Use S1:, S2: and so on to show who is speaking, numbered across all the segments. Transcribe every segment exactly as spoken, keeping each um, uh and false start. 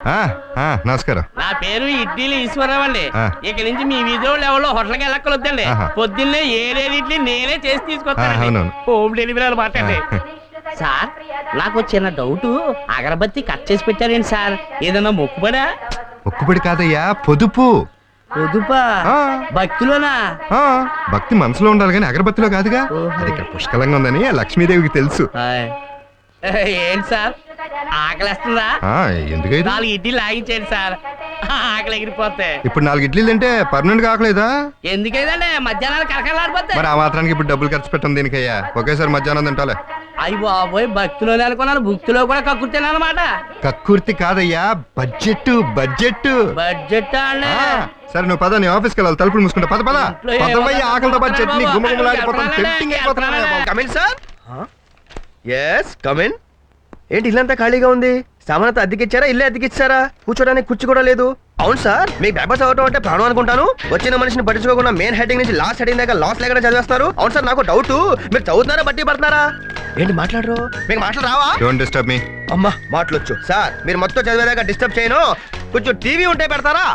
S1: నమస్కారం.
S2: నా పేరు ఇడ్లీలు ఈశ్వరరావు అండి. ఇక నుంచి మీ వీధిలో ఎవరో హోటల్కి వెళ్ళక్కలొద్దండి. పొద్దున్నే ఏడేది ఇడ్లీ నేనే చేసి తీసుకొస్తాను. హోమ్ డెలివరీ అనమాట అండి. సార్ నాకు చిన్న డౌట్, అగరబత్తి కట్ చేసి పెట్టారేంటి సార్? ఏదన్నా మొక్కుబడా?
S1: మొక్కుబడి కాదయ్యా, పొదుపు.
S2: పొదుపా? భక్తిలోనా?
S1: భక్తి మనసులో ఉండాలి కానీ అగరబత్తిలో కాదుగా. అది ఇక్కడ పుష్కలంగా ఉందని లక్ష్మీదేవికి తెలుసు.
S2: ఏంటి సార్ ఆకలిస్తుందా?
S1: ఎందుకైతే
S2: నాలుగు ఇడ్లీ లాగించేయండి సార్, ఆకలి ఎగిరిపోతే.
S1: ఇప్పుడు నాలుగు ఇడ్లీలు అంటే పర్మనెంట్ గా ఆకలేదా?
S2: ఎందుకైందండి, మధ్యాహ్నాలు కరకలాడిపోతే.
S1: మరి ఆ మాత్రానికి ఇప్పుడు డబ్బులు ఖర్చు పెట్టండి దీనికయ్యా. ఒకేసారి మధ్యాహ్నం తింటాలే.
S2: అయ్యి బాబోయ్, భక్తిలోనే అనుకున్నాను, భక్తిలో కూడా కక్కుర్తినా అనమాట.
S1: కక్కుర్తి కాదయ్యా, బడ్జెట్ బడ్జెట్
S2: బడ్జెట్ అండి.
S1: సరే నువ్వు పద, నీ ఆఫీస్కి వెళ్ళాలి. తలుపులు మూసుకుంటా. పద పద. ఆకలితో పాటు chutney
S3: come in sir. Yes come in. ఏంటి ఇల్లంతా ఖాళీగా ఉంది? సామానంతా అద్దెకిచ్చారా? ఇల్లే అద్దెకిచ్చారా? కూర్చోడానికి కుర్చీ కూడా లేదు. అవును సార్, మీకు పేపర్స్ అవ్వటం అంటే ప్రాణం అనుకుంటాను. వచ్చిన మనిషిని పట్టించుకోకుండా మెయిన్ హెడ్డింగ్ నుంచి లాస్ట్ హెడ్డింగ్ దాకా లాస్ లేకుండా చదివేస్తారు. అవును సార్, నాకు డౌట్, మీరు చదువుతున్నారా బట్టి పడుతున్నారా? ఏంటి మాట్లాడరు? మీకు మాటలు రావా?
S1: Don't disturb me.
S3: అమ్మా మాటలొచ్చు సార్. మీరు మొత్తం చదివేదాకా డిస్టర్బ్ చేయను. కొంచెం టీవీ ఉంటే పెడతారా?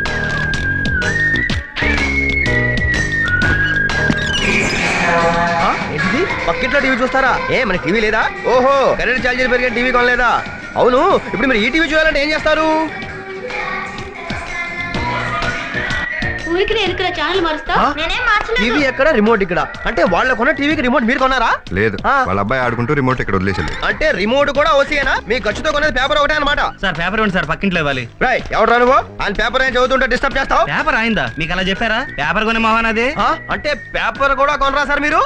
S3: ఏంటిది, పక్కింట్లో టీవీ చూస్తారా? ఏ మన టీవీ లేదా? ఓహో, కరెంట్ ఛార్జీలు పెరిగే టీవీ కొనలేదా? అవును, ఇప్పుడు మీరు ఈ టీవీ చూడాలంటే ఏం చేస్తారు? టీవీ ఎక్కడ, రిమోట్ ఇక్కడ. అంటే వాళ్ళ కొన్న టీవీకి రిమోట్ మీరు కొన్నారా?
S1: లేదు, వాళ్ళ అబ్బాయి ఆడుకుంటూ రిమోట్ ఇక్కడ వదిలేసింది.
S3: అంటే రిమోట్ కూడా ఓసీయేనా? మీ ఖర్చుతో కొనేది పేపర్ ఒకటే అనమాట.
S4: సార్ పేపర్ ఇవ్వండి సార్, పక్కింట్లో ఇవ్వాలి.
S3: రాయ్, ఎవరు రాను? ఆయన పేపర్ ఏం చదువుతుంటే డిస్టర్బ్ చేస్తావు?
S4: పేపర్ అయిందా మీకు అలా చెప్పారా? పేపర్ కొనే మహాన్ అది.
S3: అంటే పేపర్ కూడా కొనరా సార్ మీరు?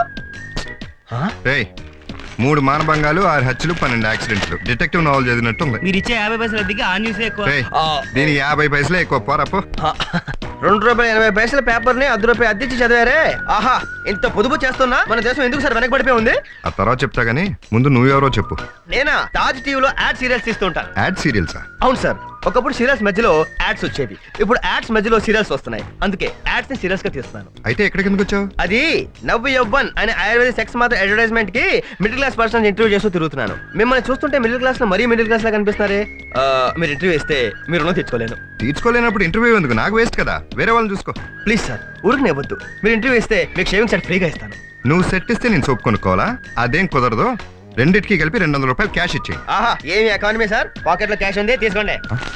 S1: మూడు మానభంగాలు, ఆరు హత్యలు, పన్నెండు యాక్సిడెంట్లు. డిటెక్టివ్ నావల్ చదివినట్టు ఉంది.
S4: మీరు ఇచ్చే యాభై పైసలు అద్దెకి ఆ న్యూస్ ఎక్కువ.
S1: దీని యాభై పైసలే ఎక్కువ. పోరాపో.
S3: రెండు రూపాయలు ఎనభై పైసల పేపర్ ని అర్ధ రూపాయలు అద్దెచ్చి చదివారే. ఆహా, ఇంత పొదుపు చేస్తున్నా మన దేశం ఎందుకు సార్ వెనకబడిపోయి ఉంది?
S1: ఆ తర్వాత చెప్తా గానీ ముందు నువ్వెవరో చెప్పు.
S3: నేనా? తాజ్ టీవీలో యాడ్ సీరియల్స్ ఇస్తుంటాను.
S1: యాడ్ సీరియల్సా?
S3: అవును సార్, ఒకప్పుడు సీరియల్స్ మధ్యలో యాడ్స్ వచ్చేవి. ఇప్పుడు యాడ్స్ మధ్యలో సీరియల్స్ వస్తున్నాయి. అందుకే యాడ్స్ ని సీరియల్స్ గా తీస్తున్నాను.
S1: అయితే ఎక్కడికి ఎందుకు వచ్చావు?
S3: అది నవ్వు యవ్వన్ అనే ఆయుర్వేద సెక్స్ మాత్రం అడ్వర్టైజ్మెంట్ కి మిడిల్ క్లాస్ పర్సన్ ఇంటర్వ్యూ చేస్తూ తిరుగుతున్నాను. మిమ్మల్ని చూస్తుంటే మిడిల్ క్లాస్ లో మరీ మిడిల్ క్లాస్ లా కనిపిస్తున్నారే. మీరు ఇంటర్వ్యూ ఇస్తే మీరు రుణం తీర్చుకోలేను.
S1: తీర్చుకోలేనప్పుడు ఇంటర్వ్యూ ఎందుకు? నాకు వేస్ట్ కదా, వేరే వాళ్ళని చూసుకో.
S3: ప్లీజ్ సార్, ఊరికి ఇవ్వద్దు. మీరు ఇంటర్వ్యూ ఇస్తే మీకు షేవింగ్ సెట్ ఫ్రీగా ఇస్తాను.
S1: నువ్వు సెట్ ఇస్తే నేను సోప్ కొనుక్కోవాలా? అదేం కుదరదు. రెండింటికి కలిపి రెండు వందల రూపాయలు క్యాష్ ఇచ్చి.
S3: ఆహా, ఏమి ఎకానమీ సార్, పాకెట్ లో క్యాష్ ఉంది, తీసుకోండి.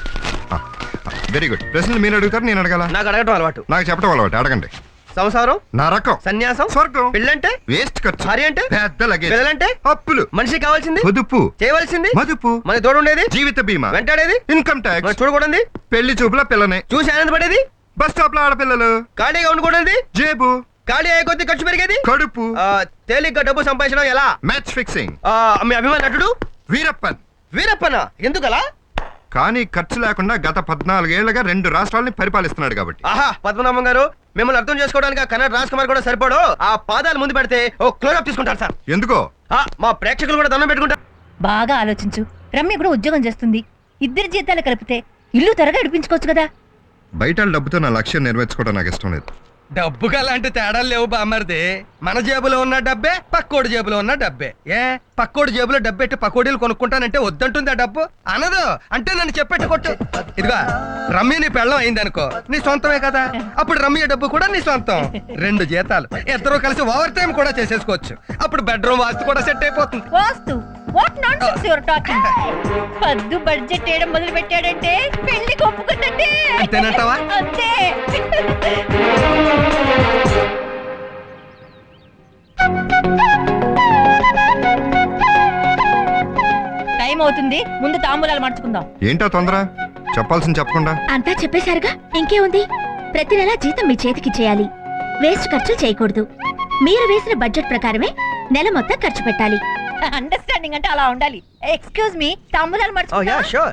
S1: Very good. ప్రశ్నలు మీరు అడుగుతారు, నేను అడగాల?
S3: నాకు అడగటం అలవాటు.
S1: నాకు చెప్పడం అలవాటు. అడగండి.
S3: సంసారం,
S1: నరకం,
S3: సన్యాసం,
S1: స్వర్గం,
S3: పెళ్ళంటే
S1: వేస్ట్ ఖర్చు,
S3: భార్య అంటే
S1: పెద్ద లగేజ్,
S3: పిల్లలంటే
S1: అప్పులు,
S3: మనిషి కావాల్సింది
S1: పొదుపు,
S3: చేయవలసింది
S1: మదుపు,
S3: మన తోడు ఉండేది
S1: జీవిత బీమా,
S3: వెంటాడేది
S1: ఇన్కమ్ ట్యాక్స్,
S3: చూడకూడదు
S1: పెళ్లి చూపుల పిల్లని
S3: చూసి ఆనందపడేది,
S1: బస్ స్టాప్ లో ఆడపిల్లలు,
S3: ఖాళీగా ఉండకూడదు జేబు, ఖాళీ అయ్యే కొద్ది ఖర్చు పెరిగేది,
S1: కడుపు,
S3: తేలిగ్గా డబ్బు సంపాదించడం ఎలా?
S1: Match fixing.
S3: మీ అభిమాన నటుడు
S1: వీరప్పన్.
S3: వీరప్పన ఎందుకలా?
S1: కానీ ఖర్చు లేకుండా గత పద్నాలుగేళ్లుగా రెండు రాష్ట్రాలని పరిపాలిస్తున్నాడు కాబట్టి.
S3: ఆహా, పద్మనాభం గారు, మిమ్మల్ని అర్థం చేసుకోవడానికి కన్నడ రాజ్ కుమార్ కూడా సరిపడు. ఆ పాదాలు ముందు పెడితే ఓ క్లోజప్ తీసుకుంటారు సార్.
S1: ఎందుకో?
S3: మా ప్రేక్షకులు కూడా దండం పెట్టుకుంటారు.
S5: బాగా ఆలోచించు. రమ్య కూడా ఉద్యోగం చేస్తుంది. ఇద్దరి జీతాలు కలిపితే ఇల్లు త్వరగా నడిపించుకోవచ్చు కదా.
S1: బయట డబ్బుతో నా లక్ష్యం నెరవేర్చుకోవడం నాకు ఇష్టం లేదు.
S6: డబ్బుకి అలాంటి తేడాలు లేవు బామ్మర్ది. మన జేబులో ఉన్న డబ్బే పక్కోడి జేబులో ఉన్న డబ్బే. ఏ పక్కోడి జేబులో డబ్బెట్టి పకోడీలు కొనుక్కుంటానంటే వద్దంటుంది ఆ డబ్బు? అనదు. అంటే నన్ను చెప్పెట్టి కొట్టు. ఇదిగా రమ్య నీ పెళ్ళం అయిందనుకో, నీ సొంతమే కదా. అప్పుడు రమ్య డబ్బు కూడా నీ సొంతం. రెండు జీతాలు ఇద్దరు కలిసి ఓవర్ టైం కూడా చేసేసుకోవచ్చు. అప్పుడు బెడ్రూమ్ వాస్తు కూడా సెట్ అయిపోతుంది.
S5: వాస్తు? What nonsense you are talking? పద్దు బడ్జెట్ చేయడం మొదలు పెట్టాడంటే పెళ్లి ఒప్పుకున్నట్టే.
S6: అంతేనంటావా?
S5: అంతే. టైం అవుతుంది, ముందు తాంబూలాలు మార్చుకుందాం.
S1: ఏంటో తొందర? చెప్పాల్సింది చెప్పకుండా
S7: అంతా చెప్పేశారుగా, ఇంకేముంది? ప్రతి నెలా జీతం మీ చేతికి చేయాలి. వేస్ట్ ఖర్చు చేయకూడదు. మీరు వేసిన బడ్జెట్ ప్రకారమే నెల మొత్తం ఖర్చు పెట్టాలి.
S5: అండర్స్టాండింగ్ అంటే అలా ఉండాలి. ఎక్స్క్యూజ్ మీ, తాంబూలాలు మార్చుకుందాం.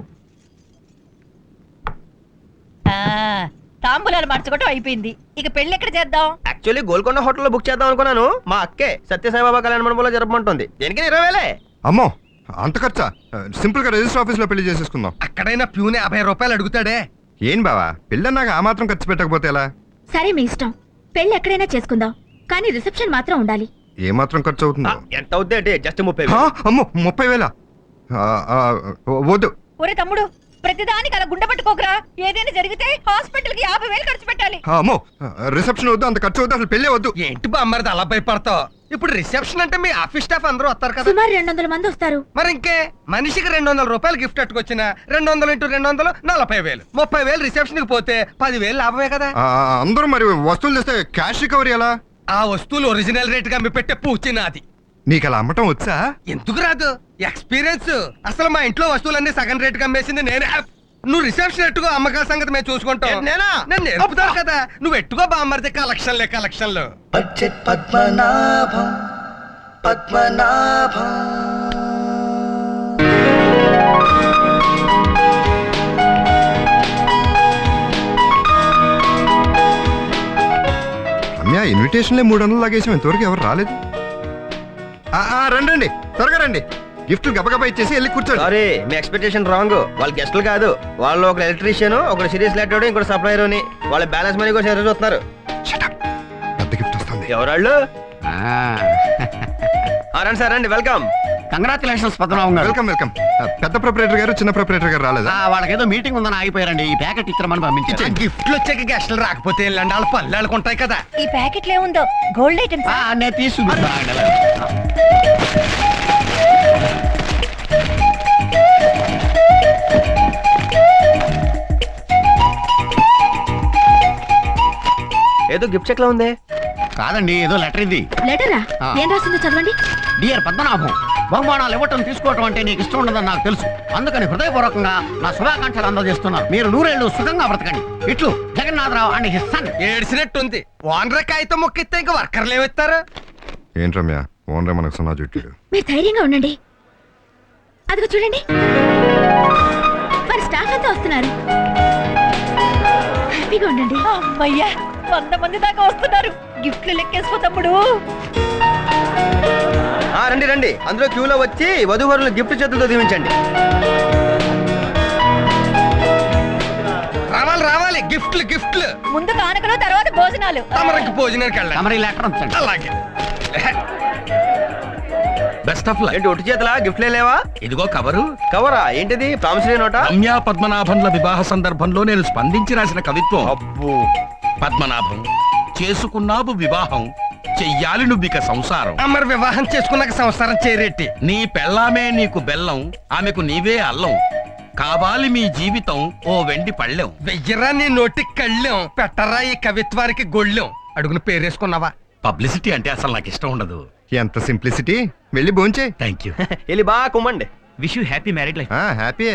S5: తాంబూలాలు మార్చుకోవటం అయిపోయింది. ఇక పెళ్లి ఎక్కడ చేద్దాం?
S3: యాక్చువల్లీ గోల్కొండ హోటల్లో బుక్ చేద్దాం అనుకున్నాను. మా అక్కే సత్యసాయిబాబా కళ్యాణ మండపంలో జరపమంటుంది. దేనికి ఇరవై వేలే.
S1: అమ్మో, అంత ఖర్చా? సింపుల్ గా రిజిస్టర్ ఆఫీస్ లో పెళ్లి చేసేసుకుందాం.
S6: అక్కడైనా ప్యూనే యాభై రూపాయలు అడుగుతాడే.
S1: ఏం బావా, పెళ్ళన్నాక ఆ మాత్రం ఖర్చు పెట్టకపోతే ఎలా?
S7: సరే మీ ఇష్టం, పెళ్లి ఎక్కడైనా చేసుకుందాం, కానీ రిసెప్షన్ మాత్రం ఉండాలి.
S1: ఏ మాత్రం ఖర్చు అవుతుందో?
S3: ఎంత అవుద్ది అంటే జస్ట్ ముప్పై.
S1: అమ్మో, ముప్పై వేల వద్దు.
S5: ఒరే తమ్ముడు, ప్రతిదానికి అలా గుండె పట్టుకోకరా. ఏదైనా జరిగితే హాస్పిటల్ కి యాభై వేలు ఖర్చు పెట్టాలి.
S1: అమ్మో రిసెప్షన్ వద్దు, అంత ఖర్చు వద్దు, అసలు పెళ్ళే వద్దు.
S6: ఏంటి బామ్మర్ది అలా భయపడతావు? ఇప్పుడు రిసెప్షన్ అంటే మీ ఆఫీస్ స్టాఫ్ అందరూ వస్తారు కదా.
S7: సుమారు రెండు వందల మంది వస్తారు.
S6: మరి ఇంకే మనిషికి రెండు వందల రూపాయలు గిఫ్ట్ అట్టుకొచ్చిన రెండు వందలు ఇంటూ రెండు వందలు నలభై వేలు ముప్పై వేలు రిసెప్షన్ కి పోతే పదివేలు లాభమే కదా.
S1: ఆ, అందరూ మరి వస్తువులు తెస్తే క్యాష్ రికవరీ ఎలా?
S6: ఆ వస్తువులు ఒరిజినల్ రేట్ గా మీ పెట్టే పూచి నాది.
S1: నీకు అలా అమ్మటం వచ్చా?
S6: ఎందుకు రాదు? ఎక్స్పీరియన్స్. అసలు మా ఇంట్లో వస్తువులన్నీ సగం రేట్ గా అమ్మేసింది నేనే. నువ్వు రిసెప్షన్ ఎట్టుకో, అమ్మకాల సంగతి మేము చూసుకుంటాం.
S3: నేనా?
S6: నేను నేర్పుతాను కదా, నువ్వు ఎట్టుకో బామ్మర్ది. కలెక్షన్లే కలెక్షన్లు.
S8: బడ్జెట్ పద్మనాభం పద్మనాభం.
S1: రమ్య ఇన్విటేషన్లే మూడు వందలు లాగేసాం, ఇంతవరకు ఎవరు రాలేదు. ఆ, ఆ, రండి రండి, త్వరగా రండి. గిఫ్ట్లు గబగబా ఇచ్చేసి వెళ్ళి కూర్చోండి.
S3: సారీ, మీ ఎక్స్పెక్టేషన్ రాంగ్. వాళ్ళ గెస్టులు కాదు, వాళ్ళు ఒక ఎలక్ట్రీషియన్, ఒక సిరీస్ లెటర్, ఇంకోటి సప్లైర్ అని. వాళ్ళ బ్యాలెన్స్ మనీ కోసం ఎదురు చూస్తున్నారు.
S1: Shut up. పెద్ద గిఫ్ట్ వస్తుంది.
S3: ఎవరాళ్ళు? ఆ, రండి సార్ రండి, వెల్కమ్.
S9: కంగ్రాచులేషన్స్ పద్మనాభం గారు.
S1: Welcome welcome. ఆ, పెద్ద ప్రొపరేటర్ గారు చిన్న ప్రొపరేటర్ గారు రాలేదా?
S9: ఆ, వాళ్ళకేదో మీటింగ్ ఉందని ఆగిపోయారండి. ఈ ప్యాకెట్ ఇచ్చామని పంపించారు.
S6: గిఫ్ట్లు వచ్చాక గెస్టులు రాకపోతే వెళ్ళండి, వాళ్ళ పనులు వాళ్ళకుంటాయి కదా.
S5: ఈ ప్యాకెట్ లో ఏముందో గోల్డ్ ఐటమ్స్.
S9: ఆ, నేను తీసుకుంటా.
S3: ఏదో గిఫ్ట్ చెక్ లో ఉంది.
S9: కాదండి, ఏదో లెటర్ ఇది.
S7: లెటరా?
S9: ఆ.
S7: ఏం రాసిందో చదవండి.
S9: డియర్ పద్మనాభం, బహుమానాలు ఇవ్వటం తీసుకోవటం అంటే నీకు ఇష్టం ఉండదని నాకు తెలుసు. అందుకని హృదయపూర్వకంగా నా శుభాకాంక్షలు అందజేస్తున్నాను. మీరు నూరేళ్లు సుఖంగా బ్రతకండి. ఇట్లు జగన్నాథరావు అండ్ హిస్ సన్.
S6: ఏడ్చినట్టుంది. ఓనర్ కాగితం మొక్కిస్తే ఇంకా వర్కర్లు ఏమిస్తారు?
S1: ఏంటి రమ్య, ఓనరే మనకు సున్నా చుట్టాడు.
S7: మీరు ధైర్యంగా ఉండండి. అదిగో చూడండి, మరి స్టాఫ్ అంతా వస్తున్నారు. హ్యాపీగా ఉండండి.
S5: అమ్మయ్యా, వంద మంది దాకా వస్తున్నారు. గిఫ్ట్లు లెక్కేసుకో తమ్ముడు.
S3: ఆ, రండి రండి, అందులో క్యూలో వచ్చి వధువరులు గిఫ్ట్ చేతులతో దీవించండి.
S6: రావాలి రావాలి, గిఫ్ట్లు గిఫ్ట్లు.
S5: ముందు కానుకలు, తర్వాత భోజనాలు.
S6: తమరికి భోజనానికి వెళ్ళండి.
S9: తమరి లెటర్ ఉంచండి.
S6: అలాగే.
S10: Best of luck.
S3: ఏంటి ఒట్టి చేతలా గిఫ్ట్లే లేవా?
S10: ఇదిగో కవరు.
S3: కవరా? ఏంటిది? ప్రామిసరీ నోటా?
S10: రమ్యా పద్మనాభంల వివాహ సందర్భంలో నేను స్పందించి రాసిన కవిత్వం.
S3: అబ్బో.
S10: పద్మనాభం, చేసుకున్నావు వివాహం, చెయ్యాలి నువ్విక సంసారం.
S6: మరి వివాహం చేసుకున్నాక సంసారం చేరేటి.
S10: నీ పెళ్ళామే నీకు బెల్లం, ఆమెకు నీవే అల్లం. కావాలి మీ జీవితం ఓ వెండి పళ్ళెం.
S6: వెయ్యరా నీ నోటికి కళ్ళెం, పెట్టరా ఈ కవిత్వానికి గొళ్ళెం. అడుగున పేరేసుకున్నావా?
S10: పబ్లిసిటీ అంటే అసలు నాకు ఇష్టం ఉండదు.
S1: ఎంత సింప్లిసిటీ. వెళ్ళి భోంచే.
S10: Thank you.
S3: వెళ్ళి బాగా కుమ్మండి.
S4: Wish you happy married life.
S1: Happy.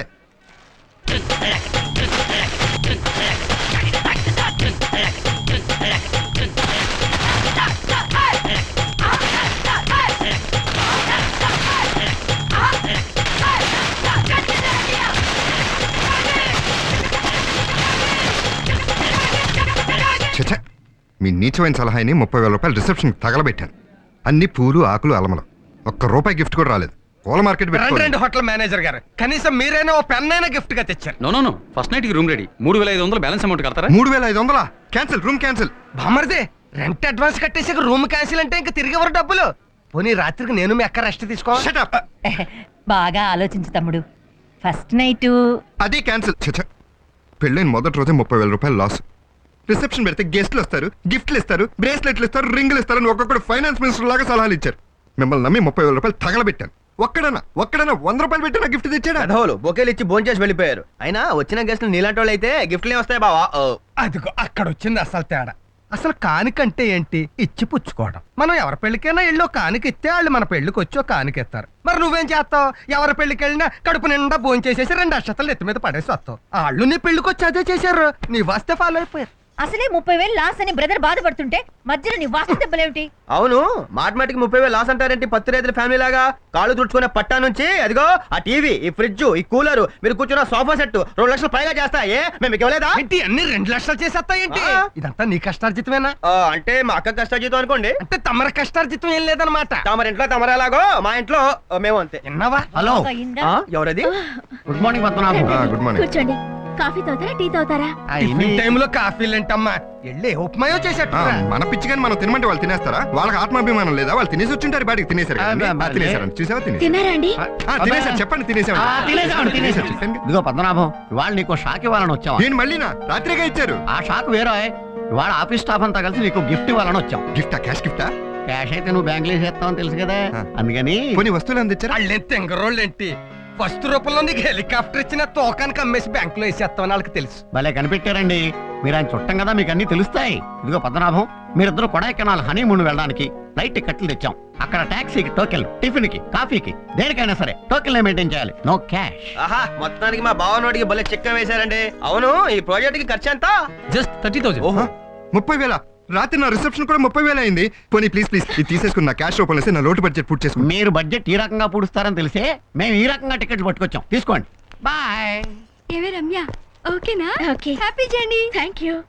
S1: చచ్చా, మీ నీచమైన సలహాని ముప్పై వేల రూపాయలు రిసెప్షన్ తగలబెట్టాను. అన్ని పూలు ఆకులు అలమలం, ఒక్క రూపాయి గిఫ్ట్ కూడా రాలేదు. పూల మార్కెట్
S6: రండి
S1: పెట్టుకోండి.
S6: రండి హోటల్ మేనేజర్ గారు, కనీసం మీరైనా ఓ పెన్ అయినా గిఫ్ట్ గా తెచ్చారు.
S4: No no no, first night కి రూమ్ రెడీ. మూడు వేల ఐదు వందలు బ్యాలెన్స్ అమౌంట్ కడతారా?
S1: మూడు వేల ఐదు వందలా? Cancel, room cancel.
S6: బామర్దే, రెంట్ అడ్వాన్స్ కట్టేసి రూమ్ క్యాన్సిల్ అంటే ఇంకా తిరిగి ఎవరు డబ్బులు? పోనీ రాత్రికి నేను మీ అక్క రెస్ట్ తీసుకో.
S1: Shut up.
S5: బాగా ఆలోచించు తమ్ముడు. ఫస్ట్ నైట్
S1: అది క్యాన్సిల్. చచ్చా, పెళ్ళైన మొదటి రోజే ముప్పై వేల రూపాయలు లాస్. రిసెప్షన్ పెడితే గెస్ట్లు వస్తారు, గిఫ్ట్లు ఇస్తారు, బ్రేస్లెట్లు ఇస్తారు, రింగులు ఇస్తారు అని ఒక్కొక్కడు ఫైనాన్స్ మినిస్టర్ లాగా సలహాలు ఇచ్చారు. మిమ్మల్ని నమ్మి ముప్పై వేల రూపాయలు తగలబెట్టాను. ఒక్కడనా ఒక్కడనా వంద రూపాయలు పెట్టి నా గిఫ్ట్ తెచ్చాడా?
S3: అధోలు బొకేలు ఇచ్చి భోజనం చేసి వెళ్ళిపోయారు. అయినా వచ్చిన గెస్టులు నీలాంటి వాళ్ళు అయితే గిఫ్ట్లు వస్తాయి బావా. ఓ.
S6: అదిగో అక్కడ వచ్చింది అసలు తేడా. అసలు కానికంటే ఏంటి? ఇచ్చి పుచ్చుకోవడం. మనం ఎవరి పెళ్లికైనా ఇల్లు కానిక ఇస్తే వాళ్ళు మన పెళ్లికి వచ్చి ఒక కానికెత్తారు. మరి నువ్వేం చేస్తావు? ఎవరి పెళ్లికి వెళ్ళినా కడుపు నిండా భోజనం చేసేసి రెండు అక్షతలు ఎత్తి మీద పడేసి వస్తావు. వాళ్ళు నీ పెళ్లికి వచ్చి అదే చేశారు, నీ వస్తే ఫాలో అయిపోయారు.
S5: అసలే ముప్పై వేలు లాస్ అని బ్రదర్ బాధపడుతుంటే మధ్యలో నీ వాస్తు దెబ్బలేమిటి?
S3: అవును, మాటమాటికి ముప్పై వేలు లాస్ అంటారేంటి? పత్తి రైతుల ఫ్యామిలీ లాగా కాళ్ళు తుడుచుకునే పట్టా నుంచి అదిగో ఆ టీవీ, ఈ ఫ్రిడ్జ్, ఈ కూలర్, మీరు కూర్చున్న సోఫా సెట్ రెండు లక్షలు పైగా చేస్తాయే. మేము మీకు ఇవ్వలేదా?
S6: ఏంటి అన్ని రెండు లక్షలు చేసేస్తాయేంటి?
S3: ఆ.
S6: ఇదంతా నీ కష్టార్జితమేనా?
S3: ఆ, అంటే మా అక్క కష్టాజీతం అనుకోండి.
S6: అంటే తమర కష్టార్జితం ఏం లేదనమాట.
S3: తమరి ఇంట్లో తమరేలాగో మా ఇంట్లో ఆ, మేము అంతే.
S6: విన్నావా?
S9: హలో,
S5: అయిందా?
S3: ఆ, ఎవరది?
S9: Good morning Padmanabham.
S1: Good morning.
S7: కూర్చోండి. కాఫీ తాగుతారా టీ తాగుతారా
S6: టిఫిన్ టైంలో కాఫీలు ఏంటమ్మా వెళ్ళి ఉప్మాయో చేసేట్టు
S1: ఆ, మన పిచ్చి కానీ మనం తినమంటే వాళ్ళు తినేస్తారా? వాళ్ళకి ఆత్మాభిమానం లేదా? వాళ్ళు తినేసి వచ్చింటారు బయటికి తినేసారు కదండి.
S9: ఆ,
S1: ఆ, తినేసారు చూసావా తినేసారు
S7: తిన్నారా అండి
S1: ఆ, తినేసారు చెప్పండి తినేసారు
S9: ఆ, తినేసామండి, తినేసాం.
S1: చెప్పండి.
S9: ఇదిగో పద్మనాభం ఇవాళ నీకు షాక్ ఇవ్వాలని వచ్చాం
S1: నేను మళ్ళీనా రాత్రిగా ఇచ్చారు
S9: ఆ షాక్ వేరే ఇవాళ ఆఫీస్ స్టాఫ్ అంతా కలిసి నీకు గిఫ్ట్ ఇవ్వాలని వచ్చాం
S1: గిఫ్టా క్యాష్ గిఫ్టా?
S9: క్యాష్ అయితే నువ్వు బ్యాంకులో వేసేస్తావని తెలుసు కదా
S1: ఆ.
S9: అందుకని
S1: కొన్ని వస్తువులు అందించారా?
S6: వాళ్ళేం తెంగరోళ్ళు ఏంటి ఫస్ట్ రూపంలో నీకు హెలికాప్టర్ ఇచ్చిన తోకానికి అమ్మేసి బ్యాంకులో వేసేస్తామని వాళ్ళకి తెలుసు.
S9: భలే కనిపెట్టారండి మీరు ఆయన చుట్టం కదా మీకు అన్ని తెలుస్తాయి ఇదిగో పద్మనాభం మీరిద్దరు కొడైకెనాల్ హనీమూన్ వెళ్ళడానికి ఫ్లైట్ టికెట్లు తెచ్చాం అక్కడ టాక్సీకి టోకెన్ టిఫిన్ కి కాఫీకి దేనికైనా సరే టోకెన్ మెయింటైన్ చేయాలి నో క్యాష్
S3: ఆహా మొత్తానికి మా బావనోడికి భలే చెక్క వేశారండి. అవును ఈ ప్రాజెక్ట్ కి ఖర్చు ఎంత?
S4: జస్ట్ థర్టీ థౌసండ్
S3: ఓహో
S1: ముప్పై వేల రాత్రి నా రిసెప్షన్ కూడా ముప్పై వేల అయింది. పోనీ ప్లీజ్ ప్లీజ్ ఇది తీసేసుకుని నా క్యాష్ రూపంలో వేసి నా లోటు బడ్జెట్ పూర్తి చేసుకుని.
S9: మీరు బడ్జెట్ ఈ రకంగా పూడుస్తారని తెలిసే మేము ఈ రకంగా టికెట్లు పట్టుకొచ్చాం తీసుకోండి బాయ్
S5: ఏమే రమ్య ఓకేనా
S7: okay
S5: happy journey
S7: thank you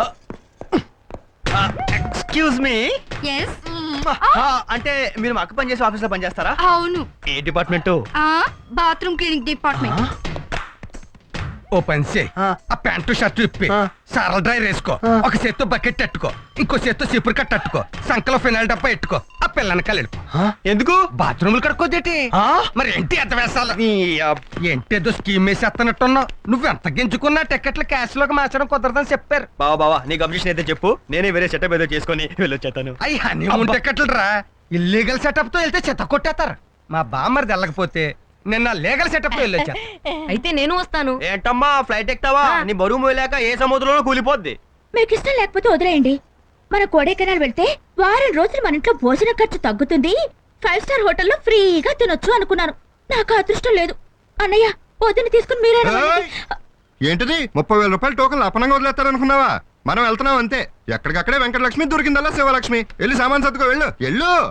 S3: excuse me
S5: yes
S3: అంటే మీరు మా అక్క పని చేసే ఆఫీస్ లో పనిచేస్తారా?
S5: అవును
S3: ఏ డిపార్ట్మెంట్?
S5: ఆ బాత్రూమ్ క్లీనింగ్ డిపార్ట్మెంట్
S6: ఓ పని చేయి
S3: ఆ.
S6: ఆ ప్యాంటు షర్ట్ ఇప్పి
S3: ఆ.
S6: సారల డ్రై వేసుకో
S3: ఆ.
S6: ఒక చేత్తో బకెట్ అట్టుకో ఇంకో చేత్తో సిపురు కట్ట అట్టుకో సంకలో ఫినాయిల్ డబ్బా ఎట్టుకో ఆ పిల్లని కలిపి
S3: ఎందుకు?
S6: బాత్రూములు కడుక్కోదేటి
S3: ఆ?
S6: మరి ఏంటి ఎంత వేసాల
S3: ఈ, అబ్,
S6: ఏంటేదో స్కీమ్ వేసేస్తున్నట్టున్నావు నువ్వు ఎంత గింజుకున్నా టికెట్లు క్యాష్ లోకి మార్చడం కుదరదని చెప్పారు.
S3: బావా బావా నీకు అబ్జెక్షన్ అయితే చెప్పు నేనే వేరే సెటప్ ఏదో చేసుకొని వెళ్ళొచ్చేతాను.
S6: అయ్యి హనీమూన్ టికెట్లు రా ఇల్లీగల్ సెటప్ తో వెళ్తే చెత్త కొట్టేస్తారు. మా బామ్మరిది వెళ్ళకపోతే నిన్న లీగల్ సెటప్ తో వెళ్ళొచ్చా.
S5: అయితే నేను వస్తాను
S3: ఏంటమ్మా ఫ్లైట్ ఎక్కుతావా? నీ బరువు మోయలేక ఏ సముద్రంలో కూలిపోద్ది.
S7: మీకు ఇష్టం లేకపోతే వదిలేయండి మన కొడైకెనాల్ వెళ్తే వారం రోజులు మన ఇంట్లో భోజన ఖర్చు తగ్గుతుంది ఫైవ్ స్టార్ హోటల్లో ఫ్రీగా తినొచ్చు అనుకున్నాను నాకు అదృష్టం లేదు అన్నయ్య వదిన తీసుకుని మీరే
S1: ఏయ్! ఏంటిది ముప్పై వేల రూపాయలు టోకన్లు అపనంగా వదిలేస్తారనుకున్నావా? మనం వెళ్తున్నాం అంతే. ఎక్కడికక్కడే వెంకటలక్ష్మి దొరికిందల్లా శివలక్ష్మి. వెళ్ళి సామాన్ సర్దుకో వెళ్ళు వెళ్ళు.